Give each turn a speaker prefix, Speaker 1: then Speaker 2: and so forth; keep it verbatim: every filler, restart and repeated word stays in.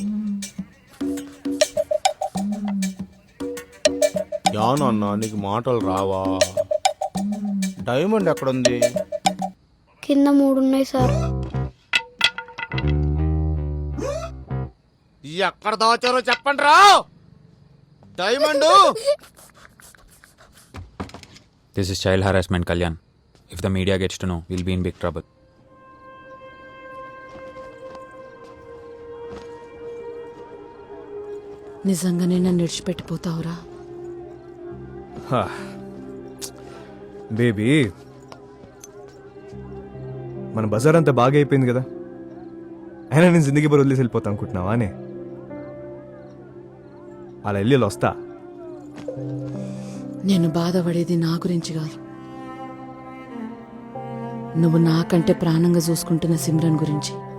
Speaker 1: యాను అన్నా నీకు మాటలు రావా? డైమండ్ ఎక్కడుంది?
Speaker 2: కింద మూడు ఉన్నాయి సార్.
Speaker 1: ఎక్కడ దాచారో చెప్పండి రా. Diamond.
Speaker 3: This is child harassment, Kalyan. If the media gets to know, we'll be in big trouble.
Speaker 4: నిజంగానే నన్ను విడిచిపెట్టిపోతావురా?
Speaker 5: బేబీ, మన బజార్ అంతా బాగా అయిపోయింది కదా, అయినా నేను జిందగీ బరు వదిలేసి వెళ్ళిపోతా అనుకుంటున్నావా అనే? అలా వెళ్ళి వస్తా.
Speaker 4: నేను బాధపడేది నా గురించి కాదు, నువ్వు నాకంటే ప్రాణంగా చూసుకుంటున్న సిమ్రన్ గురించి.